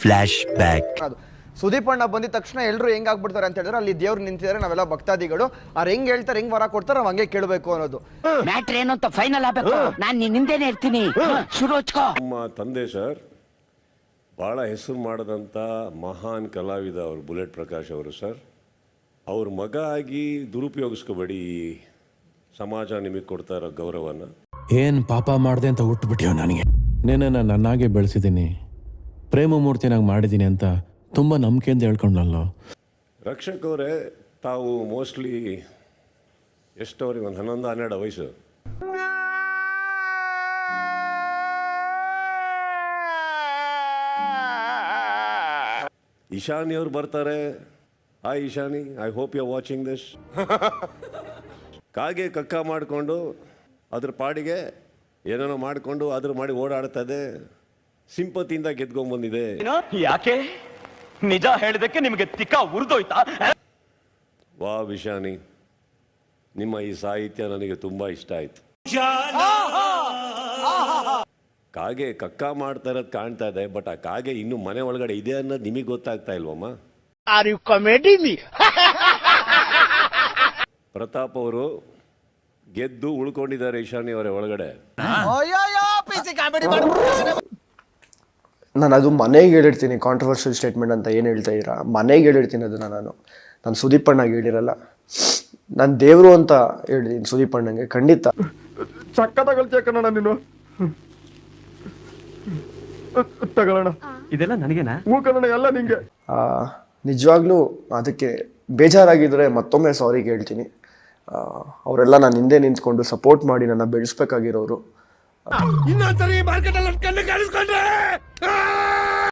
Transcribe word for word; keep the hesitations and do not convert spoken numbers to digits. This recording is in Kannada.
Flash back. ಸುದೀಪ್ ಅಣ್ಣ ಬಂದಿದ ತಕ್ಷಣ ಎಲ್ಲರೂ ಹೆಂಗ್ ಆಗ್ಬಿಡ್ತಾರೆ ಅಂತ ಹೇಳಿದ್ರೆ ಅಲ್ಲಿ ದೇವ್ರು ನಿಂತಿದ್ದಾರೆ, ನಾವೆಲ್ಲ ಭಕ್ತಾದಿಗಳು, ಅವ್ರು ಹೆಂಗ್ ಹೇಳ್ತಾರೆ ಹೆಂಗ್ ವರ ಕೊಡ್ತಾರೆ ನಾವು ಹಂಗೆ ಕೇಳಬೇಕು ಅನ್ನೋದು ಮ್ಯಾಟ್ರ್ ಏನು ಅಂತ ಫೈನಲ್ ಆಗಬೇಕು. ನಾನು ನಿನ್ನಿಂದೇನೆ ಇರ್ತೀನಿ, ಶುರು ಹಚ್ಕೋ. ನಮ್ಮ ತಂದೆ ಸರ್ ಭಾಳ ಹೆಸರು ಮಾಡಿದಂಥ ಮಹಾನ್ ಕಲಾವಿದ ಅವರು ಬುಲೆಟ್ ಪ್ರಕಾಶ್ ಅವರು ಸರ್. ಅವ್ರ ಮಗ ಆಗಿ ದುರುಪಯೋಗಿಸ್ಕೋಬೇಡಿ ಸಮಾಜ ನಿಮಗೆ ಕೊಡ್ತಾ ಇರೋ ಗೌರವನ. ಏನು ಪಾಪ ಮಾಡಿದೆ ಅಂತ ಹುಟ್ಟುಬಿಟ್ಟಿಯೋ ನನಗೆ. ನೇನೆ ನಾನು ನನ್ನಾಗೆ ಬೆಳೆಸಿದ್ದೀನಿ, ಪ್ರೇಮ ಮೂರ್ತಿನಾಗಿ ಮಾಡಿದ್ದೀನಿ ಅಂತ ತುಂಬ ನಂಬಿಕೆಯಿಂದ ಹೇಳ್ಕೊಂಡಲ್ಲ. ರಕ್ಷಕ್ ಅವರೇ, ತಾವು ಮೋಸ್ಟ್ಲಿ ಎಷ್ಟು ಅವ್ರಿಗೆ ಒಂದು ಹನ್ನೊಂದು ಹನ್ನೆರಡು ವಯಸ್ಸು. ಇಶಾನಿ ಅವ್ರು ಬರ್ತಾರೆ. Hi Ishani, I hope you are watching this. ಕಾಗೆ ಕಕ್ಕ ಮಾಡಿಕೊಂಡು ಅದ್ರ ಪಾಡಿಗೆ ಏನೇನೋ ಮಾಡಿಕೊಂಡು ಅದ್ರ ಮಾಡಿ ಓಡಾಡ್ತದೆ, ಸಿಂಪತಿಯಿಂದ ಗೆದ್ಕೊಂಡ್ಬಂದಿದೆ. ಯಾಕೆ ನಿಜ ಹೇಳಿದಕ್ಕೆ ನಿಮಗೆ ತಿಕ್ಕ ಉರಿದೋಯ್ತಾ? ವಾ ವಿಶಾನಿ, ನಿಮ್ಮ ಈ ಸಾಹಿತ್ಯ ನನಗೆ ತುಂಬಾ ಇಷ್ಟ ಆಯ್ತು. ಕಾಗೆ ಕಕ್ಕ ಮಾಡ್ತಾ ಇರೋದು ಕಾಣ್ತಾ ಇದೆ, ಬಟ್ ಆ ಕಾಗೆ ಇನ್ನು ಮನೆ ಒಳಗಡೆ ಇದೆ ಅನ್ನೋದು ನಿಮಗೆ ಗೊತ್ತಾಗ್ತಾ ಇಲ್ವಮ್ಮ? Are you comedy me? Pratap ಅವರು ಗೆದ್ದು ಉಳ್ಕೊಂಡಿದ್ದಾರೆ ಈಶಾನಿ ಅವರೇ ಒಳಗಡೆ. ನಾನು ಅದು ಮನೆಗೆ ಹೇಳಿರ್ತೀನಿ, ಕಾಂಟ್ರವರ್ಷಿಯಲ್ ಸ್ಟೇಟ್ಮೆಂಟ್ ಅಂತ ಏನು ಹೇಳ್ತಾ ಇದ್ದೀರಾ, ಮನೆಗೆ ಹೇಳಿರ್ತೀನಿ ಅದನ್ನು. ನಾನು ನಾನು ಸುದೀಪ್ ಅಣ್ಣಗೆ ಹೇಳಿರಲ್ಲ, ನಾನು ದೇವರು ಅಂತ ಹೇಳಿದ್ದೀನಿ ಸುದೀಪ್ ಅಣ್ಣಂಗೆ. ಖಂಡಿತ ಚಕ್ಕ ತಗೊಳ್ತೀಯಕ್ಕಣ್ಣ ನೀನು. ತಗೊಳ್ಳೋಣ, ಇದೆಲ್ಲ ನನಗೇನಾ? ಹೂ ಕನ್ನಡ ಎಲ್ಲ ನಿಂಗೆ. ನಿಜವಾಗ್ಲೂ ಅದಕ್ಕೆ ಬೇಜಾರಾಗಿದ್ದರೆ ಮತ್ತೊಮ್ಮೆ ಸಾರಿ ಕೇಳ್ತೀನಿ. ಅವರೆಲ್ಲ ನಾನು ಹಿಂದೆ ನಿಂತ್ಕೊಂಡು ಸಪೋರ್ಟ್ ಮಾಡಿ ನನ್ನ ಬೆಳೆಸ್ಬೇಕಾಗಿರೋರು. ಇನ್ನೊಂದ್ಸರಿ ಮಾರ್ಕೆಟ್ ಅಲ್ಲಿ ಕಣ್ಣು ಕಾಣಿಸ್ಕೊಂಡ್ರೆ